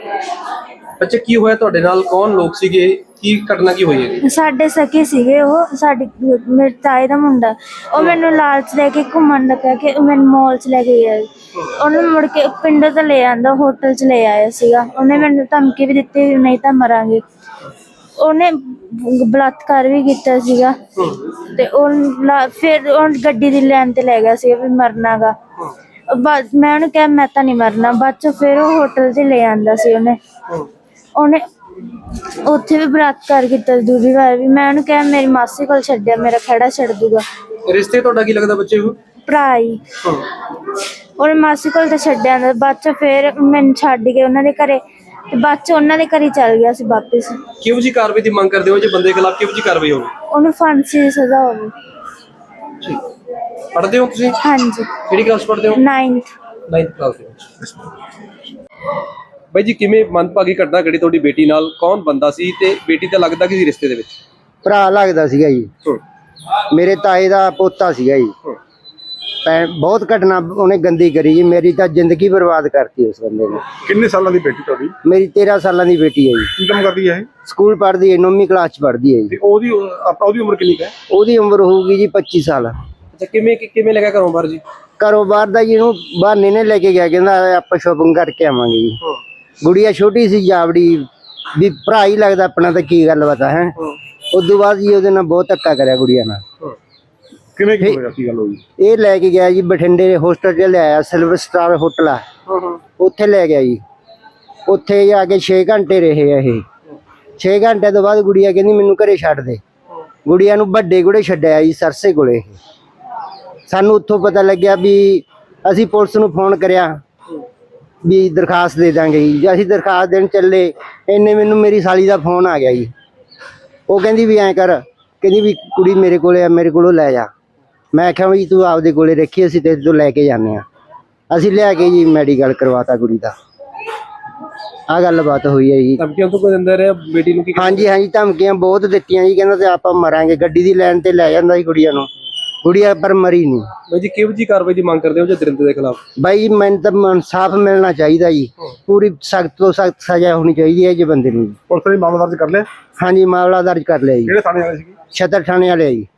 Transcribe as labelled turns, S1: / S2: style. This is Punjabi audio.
S1: ਅੱਛਾ, ਕੀ ਹੋਇਆ ਤੁਹਾਡੇ ਨਾਲ? ਕੌਣ ਲੋਕ ਸੀਗੇ? ਕੀ ਘਟਨਾ ਕੀ ਹੋਈ ਹੈ?
S2: ਸਾਡੇ ਸਕੇ ਸੀਗੇ ਉਹ, ਸਾਡੀ ਮੇਰੇ ਤਾਏ ਦਾ ਮੁੰਡਾ। ਉਹ ਮੈਨੂੰ ਲਾਲਚ ਲੈ ਕੇ ਘੁੰਮਣ ਦਾ ਕਹਿ ਕੇ ਮੈਨੂੰ ਮਾਲ 'ਚ ਲੈ ਕੇ ਗਿਆ। ਉਹਨੂੰ ਮੁੜ ਕੇ ਪਿੰਡੋਂ ਤੋਂ ਲੈ ਆਂਦਾ, ਹੋਟਲ 'ਚ ਲੈ ਆਇਆ ਸੀਗਾ। ਉਹਨੇ ਮੈਨੂੰ ਧਮਕੀ ਵੀ ਦਿੱਤੀ ਵੀ ਨਹੀਂ ਤਾਂ ਮਰਾਂਗੇ। ਉਹਨੇ ਬਲਾਤਕਾਰ ਵੀ ਕੀਤਾ ਸੀਗਾ ਤੇ ਫਿਰ ਉਹ ਗੱਡੀ ਦੀ ਲੈਣ ਤੇ ਲੈ ਗਿਆ ਸੀ ਵੀ ਮਰਨਾ ਗਾ। ਮੈਂ ਉਹਨੂੰ ਕਿਹਾ ਮੈਂ ਤਾਂ ਨਹੀਂ ਮਰਨਾ। ਬਾਅਦ 'ਚ ਫਿਰ ਉਹ ਹੋਟਲ 'ਚ ਲੈ ਆਂਦਾ ਸੀ। ਉਹਨੇ ਉੱਥੇ ਵੀ ਬਲਾਤਕਾਰ ਕੀਤਾ ਦੂਜੀ ਵਾਰ ਵੀ। ਮੈਂ ਉਹਨੂੰ ਕਿਹਾ ਮੇਰੀ ਮਾਸੀ ਕੋਲ ਛੱਡਿਆ, ਮੇਰਾ ਖਹਿੜਾ ਛੱਡ ਦੂਗਾ।
S1: ਰਿਸ਼ਤੇ ਤੁਹਾਡਾ ਕੀ ਲੱਗਦਾ ਬੱਚੇ ਨੂੰ?
S2: ਭਰਾ ਹੀ। ਉਹਨੇ ਮਾਸੀ ਕੋਲ ਤਾਂ ਛੱਡਿਆ ਆਂਦਾ। ਬਾਅਦ 'ਚ ਫਿਰ ਮੈਨੂੰ ਛੱਡ ਕੇ ਉਹਨਾਂ ਦੇ ਘਰੇ ਤੇ ਬਾਅਦ 'ਚ ਉਹਨਾਂ ਦੇ ਘਰੇ ਚੱਲ ਗਿਆ ਸੀ ਵਾਪਿਸ।
S1: ਕਿਹੋ ਜਿਹੀ ਕਾਰਵਾਈ ਦੀ ਮੰਗ ਕਰਦੇ ਹੋ? ਜੇ ਬੰਦੇ ਖਿਲਾਫ ਕਿਹੋ ਜਿਹੀ ਕਾਰਵਾਈ ਹੋਵੇ?
S2: ਉਹਨੂੰ ਫਾਂਸੀ ਦੀ ਸਜ਼ਾ ਹੋਵੇ।
S1: ਪੜ੍ਹਦੇ ਹੋ ਤੁਸੀਂ?
S2: ਹਾਂਜੀ।
S1: ਕਿਹੜੀ ਕਲਾਸ ਪੜ੍ਹਦੇ ਹੋ?
S2: 9th
S1: ਕਲਾਸ ਦੇ ਵਿੱਚ। ਬਾਈ ਜੀ, ਕਿਵੇਂ ਮੰਦਭਾਗੀ ਘਟਨਾ ਘੜੀ ਤੁਹਾਡੀ ਬੇਟੀ ਨਾਲ? ਕੌਣ ਬੰਦਾ ਸੀ ਤੇ ਬੇਟੀ ਤਾਂ ਲੱਗਦਾ ਕਿ ਰਿਸ਼ਤੇ ਦੇ ਵਿੱਚ?
S3: ਭਰਾ ਲੱਗਦਾ ਸੀਗਾ ਜੀ, ਮੇਰੇ ਤਾਏ ਦਾ ਪੋਤਾ ਸੀਗਾ ਜੀ। ਬਹੁਤ ਘਟਨਾ ਉਹਨੇ ਗੰਦੀ ਕਰੀ ਜੀ, ਮੇਰੀ ਤਾਂ ਜ਼ਿੰਦਗੀ ਬਰਬਾਦ ਕਰਤੀ ਉਸ ਬੰਦੇ ਨੇ।
S4: ਕਿੰਨੇ ਸਾਲਾਂ ਦੀ ਬੇਟੀ ਤੁਹਾਡੀ?
S3: ਮੇਰੀ 13 ਸਾਲਾਂ ਦੀ ਬੇਟੀ ਹੈ ਜੀ।
S4: ਕੀ ਕੰਮ ਕਰਦੀ ਹੈ ਇਹ?
S3: ਸਕੂਲ ਪੜ੍ਹਦੀ ਹੈ, 9ਵੀਂ ਕਲਾਸ 'ਚ ਪੜ੍ਹਦੀ ਹੈ ਜੀ।
S4: ਤੇ ਉਹਦੀ ਉਮਰ ਕਿੰਨੀ ਹੈ?
S3: ਉਹਦੀ ਉਮਰ ਹੋਊਗੀ ਜੀ 25 ਸਾਲ।
S1: ਅੱਛਾ, ਕਿਵੇਂ ਲੱਗਾ ਘਰੋਂ ਬਾਹਰ ਜੀ?
S3: ਘਰੋਂ ਬਾਹਰ ਦਾ ਜੀ ਇਹਨੂੰ ਬਹਾਨੇ ਨੇ ਲੈ ਕੇ ਗਿਆ, ਕਹਿੰਦਾ ਆਪਾਂ ਸ਼ੋਪਿੰਗ ਕਰਕੇ ਆਵਾਂਗੇ ਜੀ। ਗੁੜੀਆ ਛੋਟੀ ਸੀ, ਜਾਵੜੀ ਵੀ ਭਰਾ ਹੀ ਲੱਗਦਾ ਆਪਣਾ, ਤਾਂ ਕੀ ਗੱਲ ਬਤਾ ਹੈ। ਉਦੋਂ ਬਾਅਦ ਜੀ ਉਹਦੇ ਨਾਲ ਬਹੁਤ ਧੱਕਾ ਕਰਿਆ ਗੁੜੀਆ ਨਾਲ।
S4: ਕਿਵੇਂ ਕੀ ਹੋਇਆ, ਕੀ ਗੱਲ ਹੋਈ?
S3: ਇਹ ਲੈ ਕੇ ਗਿਆ ਜੀ ਬਠਿੰਡੇ ਹੋਸਟਲ 'ਚ ਲਿਆਇਆ, ਸਿਲਵਰ ਸਟਾਰ ਹੋਟਲ ਆ, ਉੱਥੇ ਲੈ ਗਿਆ ਜੀ। ਉੱਥੇ ਜਾ ਕੇ 6 ਘੰਟੇ ਰਹੇ ਆ ਇਹ। 6 ਘੰਟੇ ਤੋਂ ਬਾਅਦ ਗੁੜੀਆ ਕਹਿੰਦੀ ਮੈਨੂੰ ਘਰੇ ਛੱਡ ਦੇ। ਗੁੜੀਆ ਨੂੰ ਵੱਡੇ ਗੁੜੇ ਛੱਡਿਆ ਜੀ, ਸਰਸੇ ਕੋਲੇ। ਸਾਨੂੰ ਉੱਥੋਂ ਪਤਾ ਲੱਗਿਆ ਵੀ ਅਸੀਂ ਪੁਲਿਸ ਨੂੰ ਫੋਨ ਕਰਿਆ ਵੀ ਦਰਖਾਸਤ ਦੇ ਦਾਂਗੇ ਜੀ। ਅਸੀਂ ਦਰਖਾਸਤ ਦੇਣ ਚੱਲੇ, ਇੰਨੇ ਮੈਨੂੰ ਮੇਰੀ ਸਾਲੀ ਦਾ ਫੋਨ ਆ ਗਿਆ ਜੀ। ਉਹ ਕਹਿੰਦੀ ਵੀ ਐਂ ਕਰ, ਕਹਿੰਦੀ ਵੀ ਕੁੜੀ ਮੇਰੇ ਕੋਲੇ ਆ, ਮੇਰੇ ਕੋਲੋਂ ਲੈ ਜਾ। ਮੈਂ ਆਖਿਆ ਵੀ ਤੂੰ ਆਪਦੇ ਕੋਲੇ ਰੱਖੀ, ਅਸੀਂ ਤੇਰੇ ਤੋਂ ਲੈ ਕੇ ਜਾਂਦੇ ਹਾਂ। ਅਸੀਂ ਲਿਆ ਕੇ ਜੀ ਮੈਡੀਕਲ ਕਰਵਾਤਾ ਕੁੜੀ ਦਾ। ਆਹ ਗੱਲਬਾਤ ਹੋਈ ਹੈ ਜੀ।
S1: ਧਮਕੀਆਂ ਤੋਂ ਕੋਈ ਦਿੰਦਾ ਰਿਹਾ ਬੇਟੀ ਨੂੰ?
S3: ਹਾਂਜੀ, ਧਮਕੀਆਂ ਬਹੁਤ ਦਿੱਤੀਆਂ ਜੀ। ਕਹਿੰਦਾ ਤੇ ਆਪਾਂ ਮਰਾਂਗੇ। ਗੱਡੀ ਦੀ ਲਾਈਨ ਤੇ ਲੈ ਜਾਂਦਾ ਸੀ ਕੁੜੀਆਂ ਨੂੰ, ਗੁੜੀਆ ਪਰ ਮਰੀ ਨਹੀਂ।
S1: ਬਾਈ ਜੀ, ਕਿਹੋ ਜਿਹੀ ਕਾਰਵਾਈ ਦੀ ਮੰਗ ਕਰਦੇ ਹੋ ਜੇ ਦਰਿੰਦੇ ਦੇ ਖਿਲਾਫ?
S3: ਬਾਈ ਮੈਨੂੰ ਤਾਂ ਇਨਸਾਫ ਮਿਲਣਾ ਚਾਹੀਦਾ ਜੀ। ਪੂਰੀ ਸਖਤ ਤੋਂ ਸਖਤ ਸਜ਼ਾ ਹੋਣੀ ਚਾਹੀਦੀ ਹੈ ਜੀ ਬੰਦੇ ਨੂੰ।
S4: ਪੁਲਿਸ ਨੇ ਮਾਮਲਾ ਦਰਜ ਕਰ ਲਿਆ?
S3: ਹਾਂਜੀ, ਮਾਮਲਾ ਦਰਜ ਕਰ ਲਿਆ ਜੀ।
S4: ਕਿਹੜੇ ਥਾਣੇ ਵਾਲੇ ਸੀ?
S3: ਛਤਰ ਥਾਣੇ ਵਾਲੇ ਜੀ।